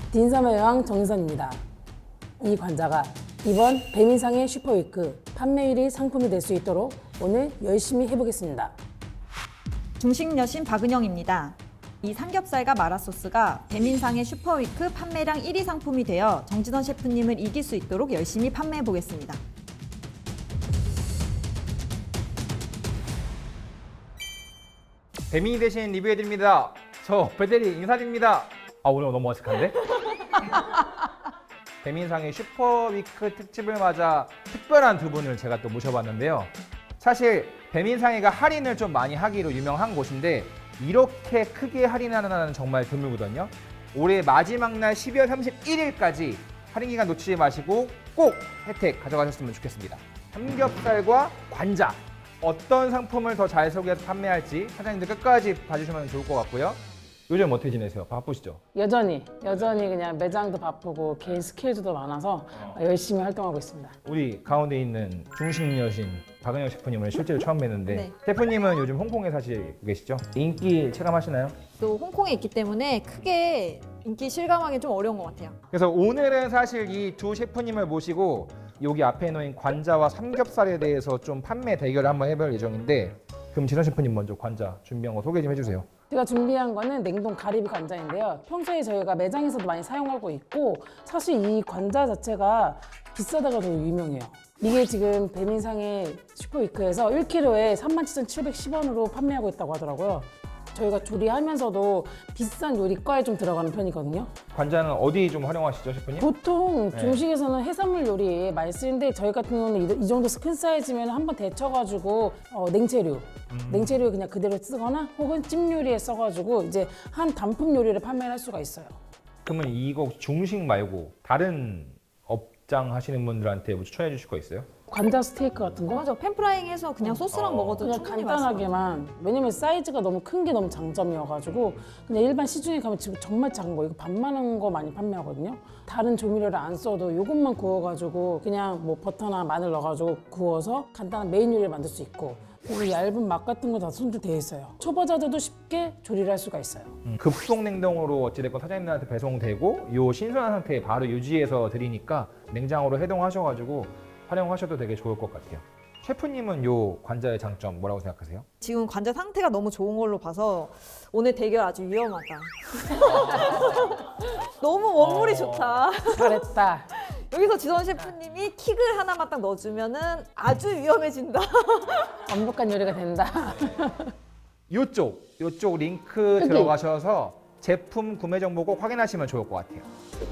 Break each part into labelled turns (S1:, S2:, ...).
S1: 딘섬의 여왕 정선입니다. 이 관자가 이번 배민상의 슈퍼위크 판매 1위 상품이 될 수 있도록 오늘 열심히 해보겠습니다.
S2: 중식 여신 박은영입니다. 이 삼겹살과 마라소스가 배민상의 슈퍼위크 판매량 1위 상품이 되어 정진원 셰프님을 이길 수 있도록 열심히 판매해 보겠습니다.
S3: 배민이 대신 리뷰해드립니다. 저 배대리 인사드립니다. 오늘 너무 어색한데? 배민상의 슈퍼위크 특집을 맞아 특별한 두 분을 제가 또 모셔봤는데요. 사실 배민상이가 할인을 좀 많이 하기로 유명한 곳인데 이렇게 크게 할인하는 날은 정말 드물거든요. 올해 마지막 날 12월 31일까지 할인 기간 놓치지 마시고 꼭 혜택 가져가셨으면 좋겠습니다. 삼겹살과 관자 어떤 상품을 더 잘 소개해서 판매할지 사장님들 끝까지 봐주시면 좋을 것 같고요. 요즘 어떻게 지내세요? 바쁘시죠?
S1: 여전히 그냥 매장도 바쁘고 개인 스케줄도 많아서 열심히 활동하고 있습니다.
S3: 우리 가운데 있는 중식 여신 박은영 셰프님을 실제로 처음 뵀는데
S2: 네.
S3: 셰프님은 요즘 홍콩에 사시고 계시죠? 인기 체감하시나요?
S2: 또 홍콩에 있기 때문에 크게 인기 실감하기 좀 어려운 것 같아요.
S3: 그래서 오늘은 사실 이 두 셰프님을 모시고 여기 앞에 놓인 관자와 삼겹살에 대해서 좀 판매 대결을 한번 해볼 예정인데 그럼 진원 셰프님 먼저 관자 준비한 거 소개 좀 해주세요.
S1: 제가 준비한 거는 냉동 가리비 관자인데요. 평소에 저희가 매장에서도 많이 사용하고 있고 사실 이 관자 자체가 비싸다가 더 유명해요. 이게 지금 배민상의 슈퍼위크에서 1kg에 37,710원으로 판매하고 있다고 하더라고요. 저희가 조리하면서도 비싼 요리과에 좀 들어가는 편이거든요.
S3: 관자는 어디 좀 활용하시죠, 셰프님?
S1: 보통
S3: 네.
S1: 중식에서는 해산물 요리에 많이 쓰는데 저희 같은 경우는 이 정도 큰 사이즈면 한번 데쳐가지고 냉채류 그냥 그대로 쓰거나 혹은 찜 요리에 써가지고 이제 한 단품 요리를 판매할 수가 있어요.
S3: 그러면 이거 중식 말고 다른 업장 하시는 분들한테 뭐 추천해 주실 거 있어요?
S1: 관자 스테이크 같은 거?
S2: 맞아, 팬프라잉 해서 그냥 소스랑 먹어도
S1: 그냥
S2: 충분히 맛있어요.
S1: 간단하게만. 왜냐면 사이즈가 너무 큰 게 너무 장점이어가지고 그냥 일반 시중에 가면 지금 정말 작은 거 이거 반만한 거 많이 판매하거든요. 다른 조미료를 안 써도 이것만 구워가지고 그냥 뭐 버터나 마늘 넣어가지고 구워서 간단한 메인 요리를 만들 수 있고 그리고 얇은 맛 같은 거 다 손질돼 있어요. 초보자들도 쉽게 조리를 할 수가 있어요.
S3: 급속 냉동으로 어찌됐건 사장님들한테 배송되고 요 신선한 상태에 바로 유지해서 드리니까 냉장으로 해동하셔가지고 활용하셔도 되게 좋을 것 같아요. 셰프님은 요 관자의 장점 뭐라고 생각하세요?
S2: 지금 관자 상태가 너무 좋은 걸로 봐서 오늘 대결 아주 위험하다. 너무 원물이 좋다.
S1: 잘했다.
S2: 여기서 지선 셰프님이 킥을 하나만 딱 넣어주면은 아주 위험해진다.
S1: 완벽한 요리가 된다.
S3: 요쪽 링크 들어가셔서 제품 구매 정보 꼭 확인하시면 좋을 것 같아요.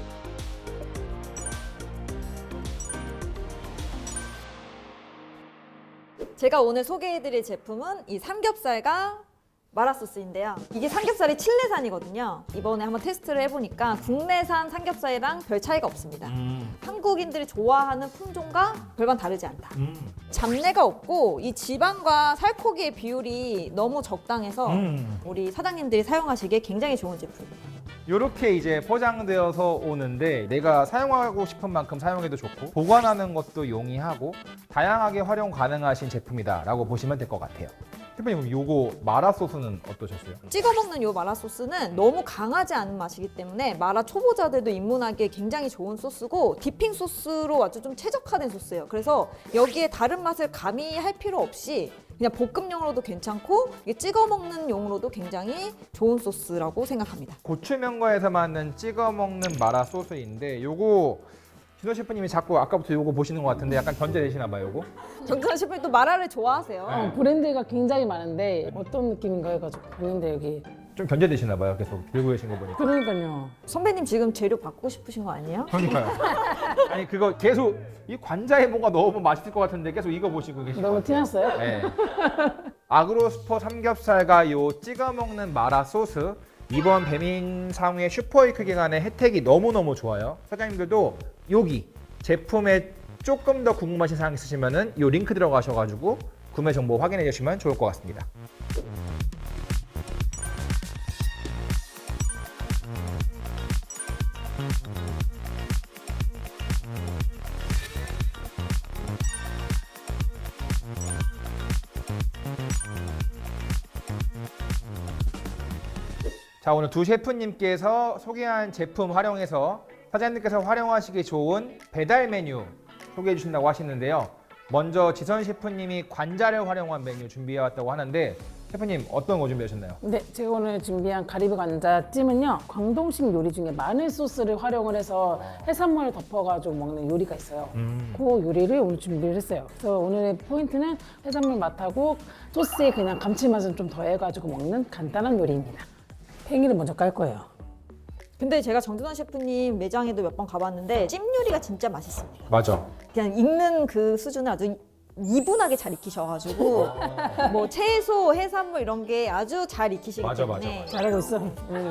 S2: 제가 오늘 소개해드릴 제품은 이 삼겹살과 마라소스인데요. 이게 삼겹살이 칠레산이거든요. 이번에 한번 테스트를 해보니까 국내산 삼겹살이랑 별 차이가 없습니다. 한국인들이 좋아하는 품종과 별반 다르지 않다. 잡내가 없고 이 지방과 살코기의 비율이 너무 적당해서 우리 사장님들이 사용하시기에 굉장히 좋은 제품이에요.
S3: 이렇게 이제 포장되어서 오는데 내가 사용하고 싶은 만큼 사용해도 좋고 보관하는 것도 용이하고 다양하게 활용 가능하신 제품이다라고 보시면 될 것 같아요. 셰프님 요거 마라 소스는 어떠셨어요?
S2: 찍어 먹는 이 마라 소스는 너무 강하지 않은 맛이기 때문에 마라 초보자들도 입문하기에 굉장히 좋은 소스고 디핑 소스로 아주 좀 최적화된 소스예요. 그래서 여기에 다른 맛을 가미할 필요 없이 그냥 볶음용으로도 괜찮고 이게 찍어 먹는 용으로도 굉장히 좋은 소스라고 생각합니다.
S3: 고추면과에서 만든 찍어 먹는 마라 소스인데 요거 진호 셰프님이 자꾸 아까부터 요거 보시는 것 같은데 약간 견제되시나 봐요 요거?
S2: 정준하 셰프님 또 마라를 좋아하세요.
S1: 브랜드가 굉장히 많은데 어떤 느낌인가 해가지고 봤는데 여기
S3: 좀 견제되시나 봐요 계속 들고 계신 거 보니까.
S1: 그러니까요.
S2: 선배님 지금 재료 바꾸고 싶으신 거 아니에요?
S3: 그러니까요. 아니 그거 계속 이 관자에 뭔가 넣으면 맛있을 것 같은데 계속 이거 보시고 계신 것
S1: 너무
S3: 같아요.
S1: 티났어요?
S3: 네. 아그로스퍼 삼겹살과 요 찍어 먹는 마라 소스 이번 배민상회 슈퍼위크 기간에 혜택이 너무너무 좋아요. 사장님들도 여기 제품에 조금 더 궁금하신 사항 있으시면은 요 링크 들어가셔가지고 구매 정보 확인해 주시면 좋을 것 같습니다. 자, 오늘 두 셰프님께서 소개한 제품 활용해서 사장님께서 활용하시기 좋은 배달 메뉴 소개해 주신다고 하시는데요. 먼저 지선 셰프님이 관자를 활용한 메뉴 준비해 왔다고 하는데 셰프님 어떤 거 준비하셨나요?
S1: 네, 제가 오늘 준비한 가리비 관자찜은요, 광동식 요리 중에 마늘 소스를 활용을 해서 해산물을 덮어가지고 먹는 요리가 있어요. 그 요리를 오늘 준비를 했어요. 그래서 오늘의 포인트는 해산물 맛하고 소스에 그냥 감칠맛을 좀 더해가지고 먹는 간단한 요리입니다. 팽이를 먼저 깔 거예요.
S2: 근데 제가 정준환 셰프님 매장에도 몇 번 가봤는데 찜 요리가 진짜 맛있습니다.
S3: 맞아.
S2: 그냥 익는 그 수준을 아주 이분하게 잘 익히셔가지고 뭐 채소, 해산물 이런 게 아주 잘 익히시기
S3: 맞아,
S2: 때문에
S3: 맞아.
S1: 잘하고 있어.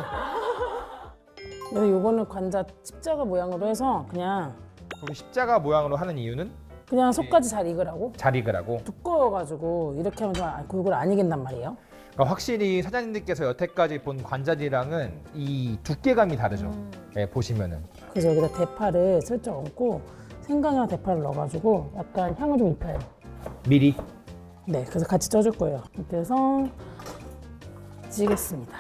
S1: 그래서 요거는 관자 십자가 모양으로 해서 그냥
S3: 우리 십자가 모양으로 하는 이유는
S1: 속까지 잘 익으라고.
S3: 잘 익으라고.
S1: 두꺼워가지고 이렇게 하면 좀 골고루 안 익은단 말이에요.
S3: 그러니까 확실히 사장님들께서 여태까지 본 관자들이랑은 이 두께감이 다르죠. 네, 보시면은.
S1: 그래서 여기다 대파를 슬쩍 얹고 생강이랑 대파를 넣어가지고 약간 향을 좀 입혀요.
S3: 미리.
S1: 네, 그래서 같이 쪄줄 거예요. 이렇게 해서 찌겠습니다.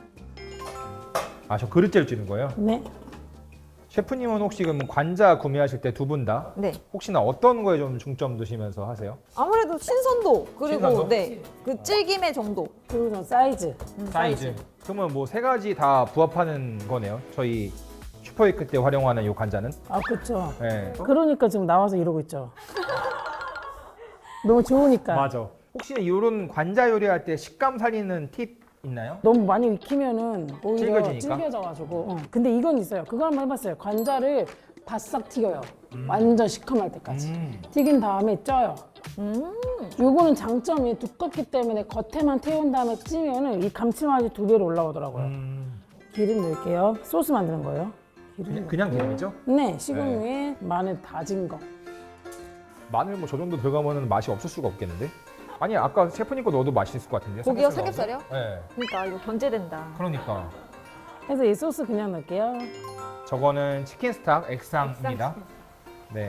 S3: 아, 저 그릇째로 찌는 거예요?
S1: 네.
S3: 셰프님은 혹시 그럼 관자 구매하실 때 두 분 다
S2: 네.
S3: 혹시나 어떤 거에 좀 중점 두시면서 하세요?
S2: 아무래도 신선도 그리고
S3: 신선도?
S2: 네, 그 찔김의 정도.
S1: 그리고 좀 사이즈.
S3: 그러면 뭐 세 가지 다 부합하는 거네요. 저희 슈퍼위크 때 활용하는 이 관자는.
S1: 아, 그렇죠.
S3: 네.
S1: 그러니까 지금 나와서 이러고 있죠. 너무 좋으니까.
S3: 맞아. 혹시 이런 관자 요리할 때 식감 살리는 팁 있나요?
S1: 너무 많이 익히면은 오히려
S3: 질겨지니까?
S1: 질겨져가지고. 근데 이건 있어요. 그거 한번 해봤어요. 관자를 바싹 튀겨요. 완전 시커멀 때까지. 튀긴 다음에 쪄요. 요거는 장점이 두껍기 때문에 겉에만 태운 다음에 찌면은 이 감칠맛이 2배로 올라오더라고요. 기름 넣을게요. 소스 만드는 거예요. 기름.
S3: 그냥 기름이죠?
S1: 네, 식용유에 마늘 다진 거.
S3: 마늘 뭐 저 정도 들어가면 맛이 없을 수가 없겠는데? 아니 아까 셰프님 거 넣어도 맛있을 것 같은데요?
S2: 고기요?
S3: 삼겹살
S2: 삼겹살이요?
S3: 넣어도? 네.
S2: 그러니까 이거 견제된다.
S3: 그러니까
S1: 그래서 이 소스 그냥 넣을게요.
S3: 저거는 치킨 스탁 액상입니다. 네.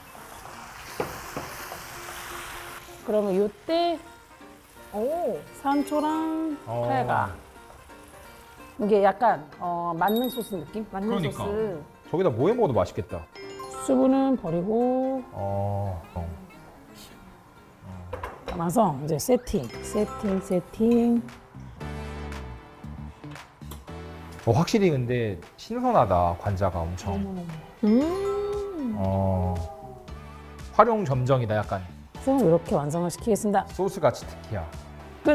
S1: 그러면 요때
S2: 오,
S1: 산초랑
S3: 어.
S1: 팔가. 이게 약간 만능 소스 느낌?
S2: 맞는
S3: 그러니까.
S2: 소스.
S3: 저기다 뭐 해 먹어도 맛있겠다.
S1: 수분은 버리고
S3: 어.
S1: 담아서 이제 세팅.
S3: 확실히 근데 신선하다 관자가 엄청. 활용 점정이다 약간.
S1: 그래서 이렇게 완성을 시키겠습니다.
S3: 소스 같이 특히야.
S1: 끝.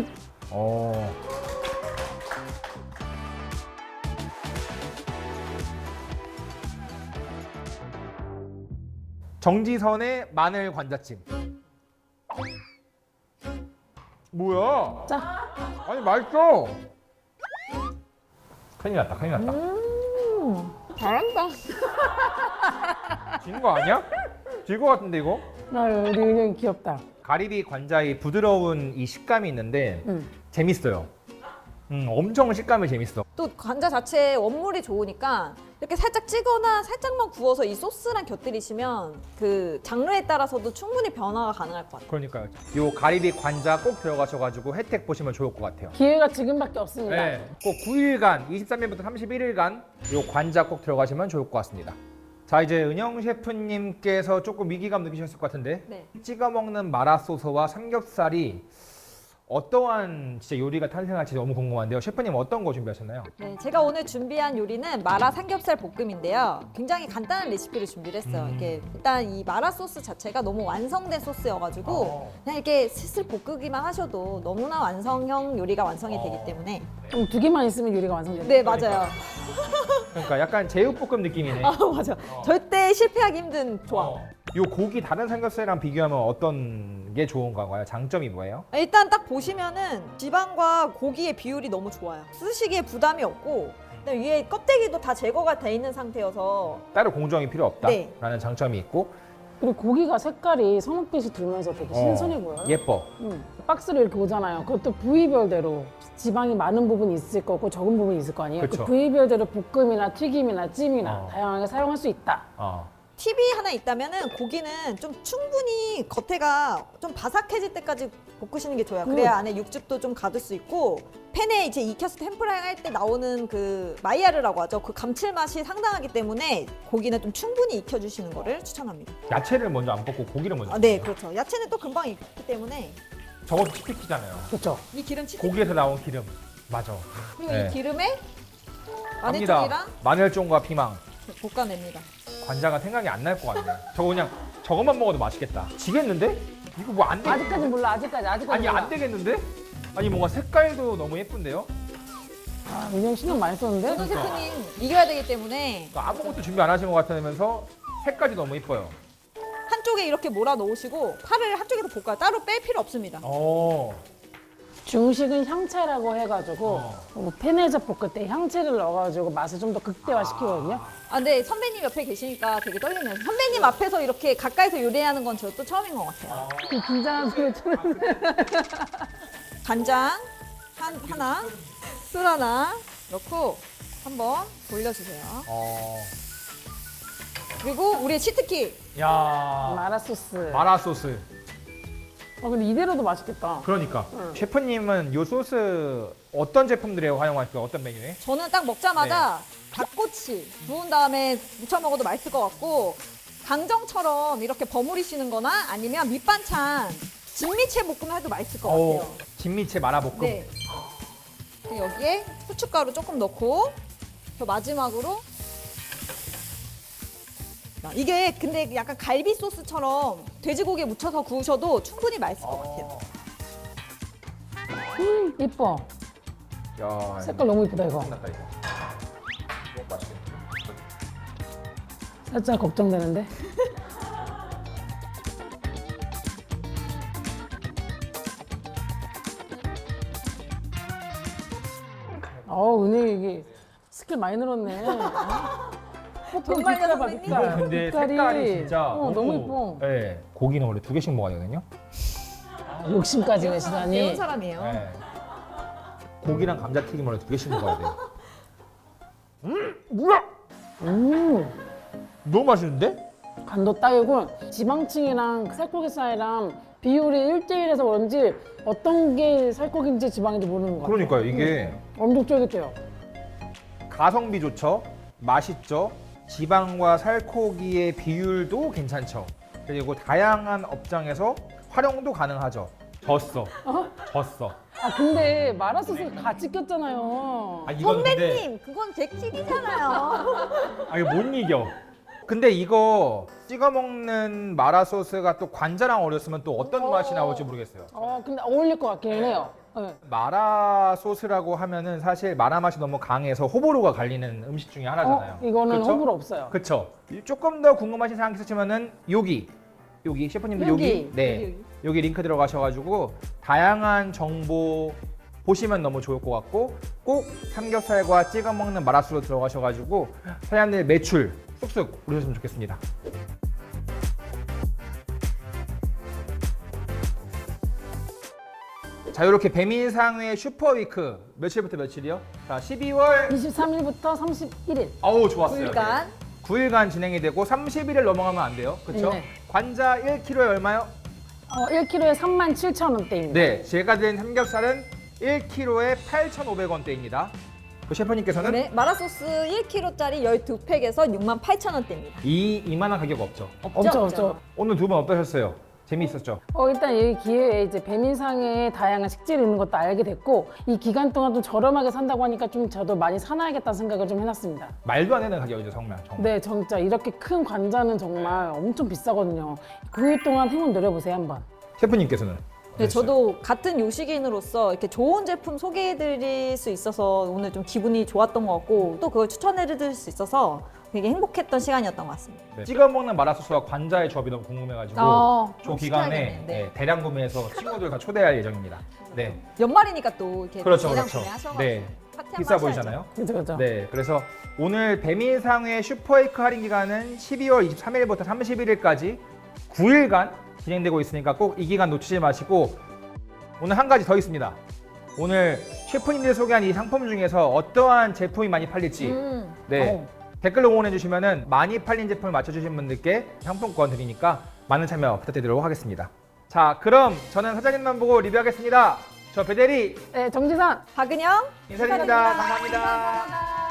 S3: 정지선의 마늘 관자찜. 뭐야?
S1: 자,
S3: 아니 맛있어. 큰일 났다.
S2: 잘한다.
S3: 진 거 아니야? 질 거 같은데 이거?
S1: 우리 은영이 귀엽다.
S3: 가리비 관자의 부드러운 이 식감이 있는데
S1: 응.
S3: 재밌어요. 엄청 식감이 재밌어.
S2: 또 관자 자체에 원물이 좋으니까 이렇게 살짝 찌거나 살짝만 구워서 이 소스랑 곁들이시면 그 장르에 따라서도 충분히 변화가 가능할 것 같아요.
S3: 그러니까요. 요 가리비 관자 꼭 들어가셔가지고 혜택 보시면 좋을 것 같아요.
S1: 기회가 지금밖에 없습니다.
S3: 네, 꼭 9일간, 23일부터 31일간 요 관자 꼭 들어가시면 좋을 것 같습니다. 자, 이제 은영 셰프님께서 조금 위기감 느끼셨을 것 같은데
S2: 네.
S3: 찍어 먹는 마라소스와 삼겹살이 어떠한 진짜 요리가 탄생할지 너무 궁금한데요. 셰프님 어떤 거 준비하셨나요?
S2: 네, 제가 오늘 준비한 요리는 마라 삼겹살 볶음인데요. 굉장히 간단한 레시피를 준비를 했어요. 이게 일단 이 마라 소스 자체가 너무 완성된 소스여가지고 그냥 이렇게 슬슬 볶으기만 하셔도 너무나 완성형 요리가 완성이 되기 때문에
S1: 그럼 2개만 있으면 요리가 완성됩니다.
S2: 네, 맞아요.
S3: 그러니까 약간 제육볶음 느낌이네.
S2: 아, 맞아. 절대 실패하기 힘든 조합.
S3: 요 고기 다른 삼겹살이랑 비교하면 어떤 게 좋은 건가요? 장점이 뭐예요?
S2: 일단 딱 보시면은 지방과 고기의 비율이 너무 좋아요. 쓰시기에 부담이 없고 그다음에 위에 껍데기도 다 제거가 돼 있는 상태여서
S3: 따로 공정이 필요 없다라는
S2: 네.
S3: 장점이 있고
S1: 그리고 고기가 색깔이 선홍빛이 들면서 되게 신선해 보여요.
S3: 예뻐.
S1: 박스를 이렇게 오잖아요. 그것도 부위별대로 지방이 많은 부분이 있을 거고 적은 부분이 있을 거 아니에요.
S3: 그쵸.
S1: 그 부위별대로 볶음이나 튀김이나 찜이나
S3: 어.
S2: 네.
S1: 다양하게 사용할 수 있다.
S2: 팁이 하나 있다면은 고기는 좀 충분히 겉에가 좀 바삭해질 때까지 볶으시는 게 좋아요. 그래야 안에 육즙도 좀 가둘 수 있고 팬에 이제 익혀서 템프라잉 할 때 나오는 그 마이야르라고 하죠. 그 감칠맛이 상당하기 때문에 고기는 좀 충분히 익혀주시는 거를 추천합니다.
S3: 야채를 먼저 안 볶고 고기를 먼저.
S2: 아, 네, 그렇죠. 야채는 또 금방 익기 때문에
S3: 저것도 치트키잖아요.
S1: 그렇죠.
S2: 이 기름 치즈
S3: 고기에서 나온 기름. 맞아.
S2: 그리고
S3: 네.
S2: 이 기름에
S3: 갑니다.
S2: 마늘종이랑
S3: 마늘종과 피망.
S2: 볶아냅니다.
S3: 관자가 생각이 안 날 것 같네. 저거 그냥 저것만 먹어도 맛있겠다. 지겠는데? 이거 뭐 안 돼?
S1: 아직까지 몰라. 아직까지
S3: 아니
S1: 몰라.
S3: 안 되겠는데? 아니 뭔가 색깔도 너무 예쁜데요?
S1: 아, 은영 신경 많이 썼는데.
S2: 준호 셰프님 이겨야 되기 때문에
S3: 그러니까 아무것도 준비 안 하신 것 같으면서 색깔이 너무 예뻐요.
S2: 한쪽에 이렇게 몰아 놓으시고 파를 한쪽에서 볶아요. 따로 뺄 필요 없습니다.
S1: 중식은 향채라고 해가지고 뭐 팬에서 볶을 때 향채를 넣어가지고 맛을 좀 더 극대화시키거든요.
S2: 아, 근데 선배님 옆에 계시니까 되게 떨리네요. 선배님 앞에서 이렇게 가까이서 요리하는 건 저 또 처음인 것 같아요.
S1: 그 긴장한 소리 들으세요.
S2: 간장 하나, 술 하나 넣고 한번 돌려주세요. 그리고 우리의 치트키
S3: 야
S1: 마라 소스.
S3: 마라 소스.
S1: 근데 이대로도 맛있겠다.
S3: 그러니까 셰프님은 이 소스 어떤 제품들에 활용하실까요? 어떤 메뉴에?
S2: 저는 딱 먹자마자 닭꼬치 구운 다음에 무쳐 먹어도 맛있을 것 같고 강정처럼 이렇게 버무리시는 거나 아니면 밑반찬 진미채 볶음 해도 맛있을 것 같아요.
S3: 진미채 마라볶음.
S2: 네. 그리고 여기에 후춧가루 조금 넣고 저 마지막으로 이게 근데 약간 갈비 소스처럼 돼지고기에 묻혀서 구우셔도 충분히 맛있을 것 같아요.
S1: 이뻐.
S3: 야,
S1: 색깔 너무 이쁘다 이거.
S3: 끝났다 이거. 맛있겠다.
S1: 살짝 걱정되는데. 은혜 이게 스킬 많이 늘었네.
S2: 정말요, 선배님?
S3: 이거 근데 색깔이 진짜
S1: 너무 이뻐.
S3: 네, 고기는 원래 2개씩 먹어야 되거든요.
S1: 욕심까지
S2: 배운
S1: 내시다니.
S2: 사람이에요.
S3: 네. 고기랑 감자튀김 원래 2개씩 먹어야 돼요. 뭐야? 너무 맛있는데?
S1: 간도 딱이고 지방층이랑 살코기살이랑 비율이 1대1에서 그런지 어떤 게 살코기인지 지방인지 모르는 거 같아요.
S3: 그러니까요, 이게
S1: 엄청 쫄깃해요.
S3: 가성비 좋죠, 맛있죠, 지방과 살코기의 비율도 괜찮죠. 그리고 다양한 업장에서 활용도 가능하죠. 졌어.
S1: 근데 마라 소스 같이 꼈잖아요.
S3: 이건
S2: 선배님, 그건 제 팁이잖아요.
S3: 이거 못 이겨. 근데 이거 찍어 먹는 마라 소스가 또 관자랑 어렸으면 또 어떤 맛이 나올지 모르겠어요.
S1: 근데 어울릴 것 같기는 해요. 네.
S3: 마라 소스라고 하면은 사실 마라 맛이 너무 강해서 호불호가 갈리는 음식 중에 하나잖아요.
S1: 이거는
S3: 그쵸?
S1: 호불호 없어요.
S3: 그쵸? 조금 더 궁금하신 사항 있으시면은 여기 셰프님들 여기 여기 링크 들어가셔가지고 다양한 정보 보시면 너무 좋을 것 같고 꼭 삼겹살과 찍어 먹는 마라소스로 들어가셔가지고 사장님들 매출 쑥쑥 오르셨으면 좋겠습니다. 자, 이렇게 배민상회 슈퍼위크 며칠부터 며칠이요? 자, 12월
S1: 23일부터 31일.
S3: 어우 좋았어요.
S2: 9일간.
S3: 9일간 진행이 되고 30일을 넘어가면 안 돼요. 그렇죠?
S1: 네.
S3: 관자 1kg에 얼마요?
S1: 1kg에 37,000원대입니다.
S3: 네, 제가 든 삼겹살은 1kg에 8,500원대입니다. 그 셰프님께서는
S2: 네, 마라소스 1kg짜리 12팩에서 68,000원대입니다.
S3: 이만한 가격 없죠.
S1: 없죠.
S3: 오늘 두 분 어떠셨어요? 재미있었죠?
S1: 일단 이 기회에 이제 배민상에 다양한 식재료 있는 것도 알게 됐고 이 기간 동안 좀 저렴하게 산다고 하니까 좀 저도 많이 사놔야겠다는 생각을 좀 해놨습니다.
S3: 말도 안 되는 가격이죠, 정말.
S1: 네, 진짜 이렇게 큰 관자는 정말 엄청 비싸거든요. 9일 동안 행운 노려보세요 한번.
S3: 셰프님께서는?
S2: 네, 저도 같은 요식인으로서 이렇게 좋은 제품 소개해드릴 수 있어서 오늘 좀 기분이 좋았던 것 같고 또 그걸 추천해드릴 수 있어서 되게 행복했던 시간이었던 것 같습니다.
S3: 네. 찍어 먹는 마라소스와 관자의 조합이 너무 궁금해가지고 저 기간에
S2: 시켜야겠네. 네.
S3: 대량 구매해서 친구들 다 초대할 예정입니다. 네,
S2: 연말이니까 또 이렇게
S3: 그렇죠,
S2: 대량
S3: 그렇죠.
S2: 구매하셔가지고
S3: 네,
S2: 파티 한번
S3: 비싸
S2: 하셔야죠.
S3: 보이잖아요.
S1: 그죠.
S3: 네, 그래서 오늘 배민상회 슈퍼웨이크 할인 기간은 12월 23일부터 31일까지 9일간 진행되고 있으니까 꼭 이 기간 놓치지 마시고 오늘 한 가지 더 있습니다. 오늘 셰프님들이 소개한 이 상품 중에서 어떠한 제품이 많이 팔릴지 네, 댓글로 응원해 주시면은 많이 팔린 제품을 맞춰주신 분들께 상품권 드리니까 많은 참여 부탁드리도록 하겠습니다. 자, 그럼 저는 사장님만 보고 리뷰하겠습니다. 저 배대리
S1: 네, 정지선.
S2: 박은영
S3: 인사드립니다. 감사합니다.
S2: 감사합니다.